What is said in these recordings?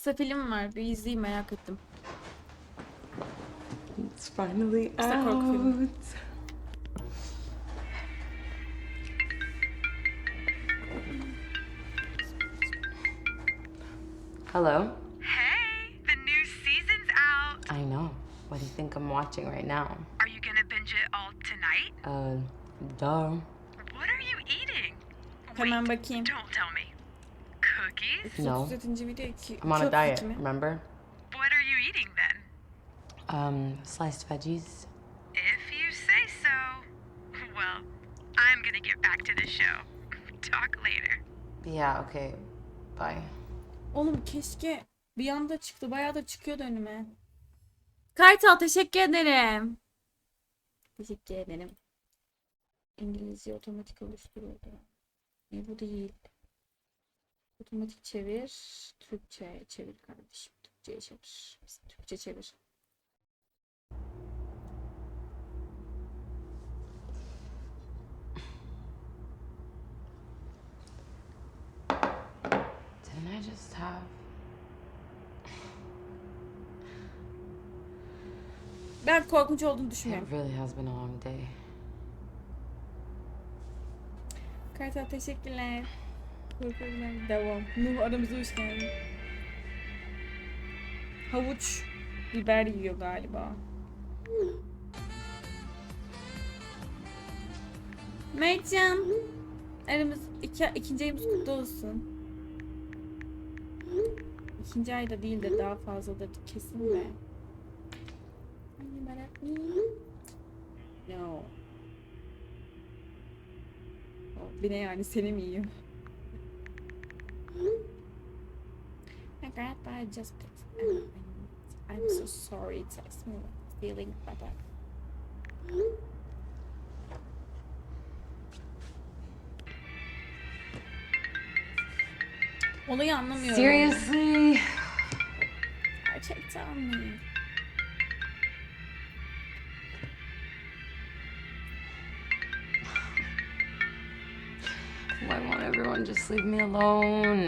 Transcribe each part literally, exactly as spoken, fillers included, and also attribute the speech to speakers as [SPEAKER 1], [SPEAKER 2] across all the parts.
[SPEAKER 1] kısa film var. Bir izleyeyim, merak ettim.
[SPEAKER 2] It's finally
[SPEAKER 1] Kısa korku filmi.
[SPEAKER 2] out. Hello?
[SPEAKER 3] Hey, the new season's out.
[SPEAKER 2] I know. What do you think I'm watching right now?
[SPEAKER 3] Are you gonna binge it all tonight?
[SPEAKER 2] Uh, duh.
[SPEAKER 3] What are you eating?
[SPEAKER 1] Hemen
[SPEAKER 3] Wait,
[SPEAKER 1] bakayım.
[SPEAKER 3] don't tell me. Cookies?
[SPEAKER 2] No.
[SPEAKER 1] otuz yedinci video iki.
[SPEAKER 2] I'm on a
[SPEAKER 1] iki
[SPEAKER 2] diet,
[SPEAKER 1] otuz iki mi?
[SPEAKER 2] remember?
[SPEAKER 3] What are you eating then?
[SPEAKER 2] Um, sliced veggies.
[SPEAKER 3] If you say so. Well, I'm gonna get back to the show. Talk later.
[SPEAKER 2] Yeah, okay. Bye.
[SPEAKER 1] Oğlum keşke bir anda çıktı. Bayağı da çıkıyordu önüme. Kartal teşekkür ederim. Teşekkür ederim. İngilizce otomatik oluşturuldu. Ne bu değil. Otomatik çevir. Türkçe çevir kardeşim. Türkçe'ye çevir. Türkçe çevir.
[SPEAKER 2] Didn't I just have...
[SPEAKER 1] Ben korkunç olduğunu
[SPEAKER 2] It
[SPEAKER 1] düşünmüyorum.
[SPEAKER 2] really has been a long day.
[SPEAKER 1] Kartal teşekkürler. Korkuyorum. Devam. Nuh aramıza hoş geldin. Havuç biber yiyor galiba. Mertcan. Aramız iki, ikinci ayımız kutlu olsun. İkinci ayda değil de daha fazladır kesin de. No. Bir ne yani seni mi yiyor? My grandpa just put, I'm so sorry, it's like small feeling better. Olayı anlamıyorum.
[SPEAKER 2] Seriously?
[SPEAKER 1] Gerçekten mi?
[SPEAKER 2] Why won't everyone just leave me alone?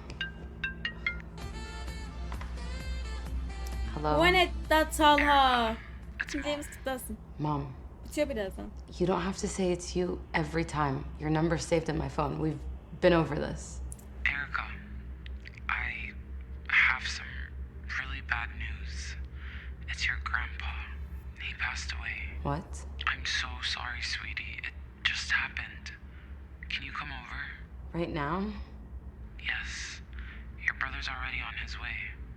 [SPEAKER 2] Hello?
[SPEAKER 1] Bu ne Talha? İkinci ayımız kutlu olsun.
[SPEAKER 2] Mom,
[SPEAKER 1] Bitiyor birazdan.
[SPEAKER 2] you don't have to say it's you every time. Your number's saved in my phone. We've been over this.
[SPEAKER 4] Erica, I have some really bad news. It's your grandpa. He passed away.
[SPEAKER 2] What?
[SPEAKER 4] I'm so sorry, sweetie. It just happened. Can you come over?
[SPEAKER 2] Right now?
[SPEAKER 4] Yes. Your brother's already on his way.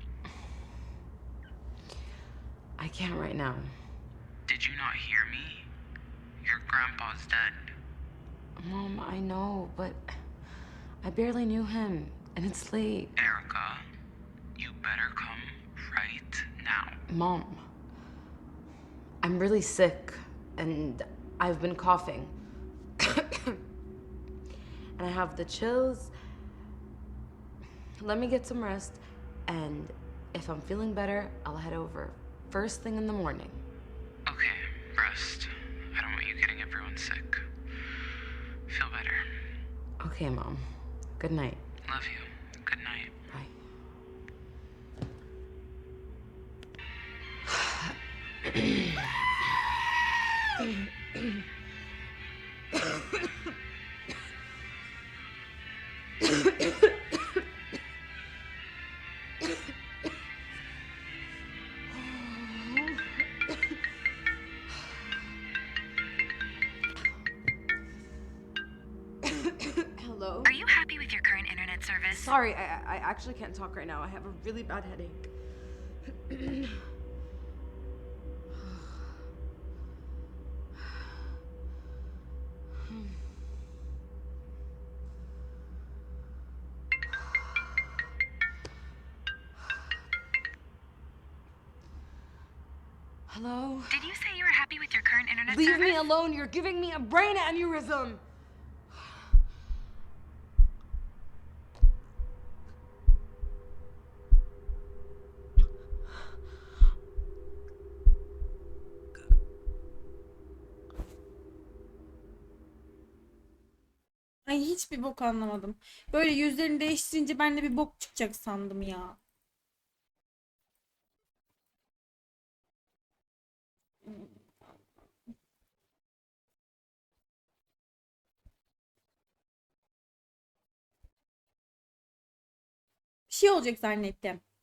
[SPEAKER 2] I can't right now.
[SPEAKER 4] Did you not hear me? Your grandpa's dead.
[SPEAKER 2] Mom, I know, but I barely knew him, and it's late.
[SPEAKER 4] Erica, you better come right now.
[SPEAKER 2] Mom, I'm really sick, and I've been coughing. And I have the chills. Let me get some rest, and if I'm feeling better, I'll head over first thing in the morning.
[SPEAKER 4] Okay, rest. I don't want you getting everyone sick. Feel better.
[SPEAKER 2] Okay, Mom. Good night.
[SPEAKER 4] Love you. Good night.
[SPEAKER 2] Bye. Hello?
[SPEAKER 3] Are you happy with your current internet service?
[SPEAKER 2] Sorry, I, I actually can't talk right now. I have a really bad headache. Hello?
[SPEAKER 3] Did you say you were happy with your current internet
[SPEAKER 2] Leave
[SPEAKER 3] service?
[SPEAKER 2] me alone. You're giving me a brain aneurysm.
[SPEAKER 1] Ay hiçbir bok anlamadım. Böyle yüzlerini değiştirince ben de bir bok çıkacak sandım ya. Bir şey olacak zannettim.